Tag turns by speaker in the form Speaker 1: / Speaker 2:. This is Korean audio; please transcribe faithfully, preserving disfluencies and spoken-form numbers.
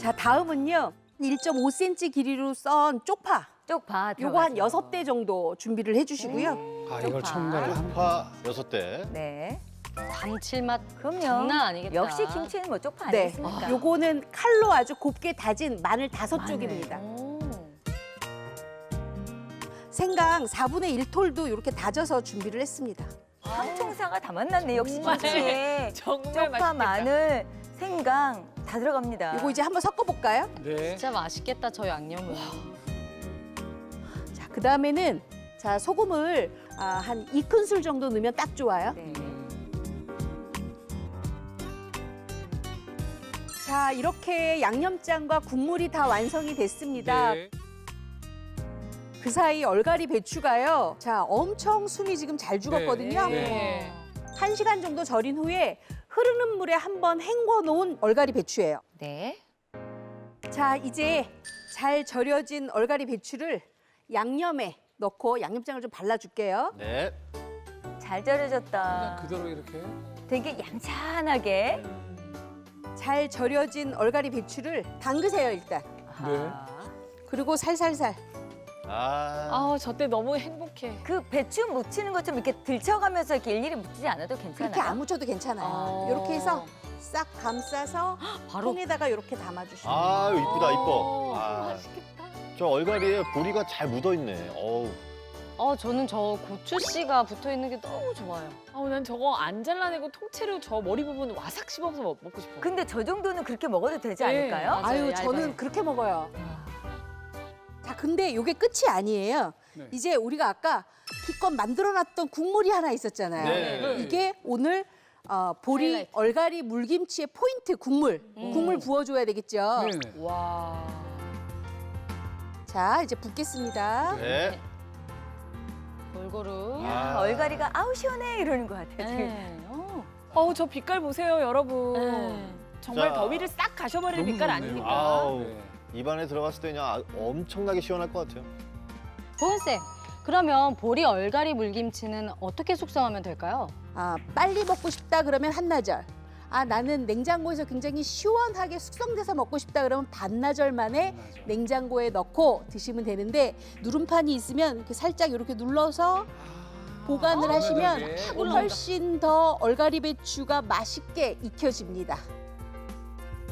Speaker 1: 자, 다음은요. 일 점 오 센티미터 길이로 썬 쪽파.
Speaker 2: 쪽파
Speaker 1: 요거 한
Speaker 2: 들어가죠.
Speaker 1: 여섯 대 정도 준비를 해주시고요.
Speaker 3: 아, 이걸
Speaker 2: 쪽파.
Speaker 3: 첨가를 합니다.
Speaker 4: 파 여섯 대.
Speaker 2: 네.
Speaker 5: 감칠맛
Speaker 2: 그럼요.
Speaker 5: 장난 아니겠다.
Speaker 2: 역시 김치는 뭐 쪽파
Speaker 1: 네.
Speaker 2: 아니겠습니까?
Speaker 1: 요거는 칼로 아주 곱게 다진 마늘 다섯
Speaker 2: 마늘.
Speaker 1: 쪽입니다.
Speaker 5: 오.
Speaker 1: 생강 사분의 일 톨도 이렇게 다져서 준비를 했습니다.
Speaker 2: 삼총사가 다 만났네. 역시
Speaker 5: 정말,
Speaker 2: 김치에
Speaker 5: 정말
Speaker 2: 쪽파,
Speaker 5: 맛있겠다.
Speaker 2: 마늘, 생강 다 들어갑니다.
Speaker 1: 요거 이제 한번 섞어볼까요?
Speaker 3: 네.
Speaker 5: 진짜 맛있겠다, 저 양념은.
Speaker 1: 자, 그 다음에는 자 소금을 아, 한 두 큰술 정도 넣으면 딱 좋아요.
Speaker 2: 네.
Speaker 1: 자, 이렇게 양념장과 국물이 다 완성이 됐습니다.
Speaker 3: 네.
Speaker 1: 그 사이 얼갈이 배추가요. 자, 엄청 숨이 지금 잘 죽었거든요.
Speaker 3: 네.
Speaker 1: 한 시간 정도 절인 후에 흐르는 물에 한번 헹궈 놓은 얼갈이 배추예요.
Speaker 5: 네.
Speaker 1: 자, 이제 잘 절여진 얼갈이 배추를 양념에 넣고 양념장을 좀 발라줄게요.
Speaker 4: 네.
Speaker 2: 잘 절여졌다.
Speaker 3: 그냥 그대로 이렇게.
Speaker 2: 되게 얌찬하게.
Speaker 1: 잘 절여진 얼갈이 배추를 담그세요, 일단.
Speaker 3: 네.
Speaker 1: 그리고 살살살.
Speaker 4: 아.
Speaker 5: 아, 저 때 너무 행복해.
Speaker 2: 그 배추 묻히는 것처럼 이렇게 들쳐가면서 이렇게 일일이 묻히지 않아도 괜찮아요?
Speaker 1: 그렇게 안 묻혀도 괜찮아요.
Speaker 5: 어.
Speaker 1: 이렇게 해서 싹 감싸서
Speaker 5: 바로.
Speaker 1: 통에다가 이렇게 담아주시면 돼요.
Speaker 4: 아, 이쁘다, 이뻐.
Speaker 5: 오,
Speaker 4: 아,
Speaker 5: 맛있겠다.
Speaker 4: 저 얼갈이에 보리가 잘 묻어 있네. 어우.
Speaker 5: 어, 저는 저 고추씨가 붙어 있는 게 너무 좋아요.
Speaker 6: 아우 난 저거 안 잘라내고 통째로 저 머리 부분 와삭 씹어서 먹- 먹고 싶어.
Speaker 2: 근데 저 정도는 그렇게 먹어도 되지
Speaker 6: 네,
Speaker 2: 않을까요?
Speaker 6: 맞아요.
Speaker 1: 아유,
Speaker 6: 얇아요.
Speaker 1: 저는 그렇게 먹어요. 자, 근데 이게 끝이 아니에요.
Speaker 3: 네.
Speaker 1: 이제 우리가 아까 기껏 만들어놨던 국물이 하나 있었잖아요.
Speaker 4: 네.
Speaker 1: 이게 오늘 어, 보리
Speaker 5: 하이라이트.
Speaker 1: 얼갈이 물김치의 포인트 국물. 국물 부어줘야 되겠죠.
Speaker 3: 네네.
Speaker 6: 와.
Speaker 1: 자, 이제 붓겠습니다.
Speaker 4: 네.
Speaker 5: 골고루.
Speaker 2: 야,
Speaker 4: 아.
Speaker 2: 얼갈이가 아우 시원해 이러는 것 같아요. 지금.
Speaker 5: 네. 어.
Speaker 6: 어우 저 빛깔 보세요 여러분.
Speaker 5: 네.
Speaker 6: 정말
Speaker 4: 자.
Speaker 6: 더위를 싹 가셔버리는
Speaker 3: 너무
Speaker 6: 빛깔
Speaker 3: 좋네요.
Speaker 6: 아닙니까?
Speaker 4: 아우.
Speaker 3: 네.
Speaker 4: 입안에 들어갔을 때 그냥 아- 엄청나게 시원할 것 같아요.
Speaker 5: 보은쌤, 그러면 보리 얼갈이 물김치는 어떻게 숙성하면 될까요?
Speaker 1: 아, 빨리 먹고 싶다 그러면 한나절. 아, 나는 냉장고에서 굉장히 시원하게 숙성돼서 먹고 싶다 그러면 반나절 만에
Speaker 3: 반나절.
Speaker 1: 냉장고에 넣고 드시면 되는데 누름판이 있으면 이렇게 살짝 이렇게 눌러서 보관을 하시면
Speaker 3: 네.
Speaker 1: 훨씬 더 얼갈이 배추가 맛있게 익혀집니다.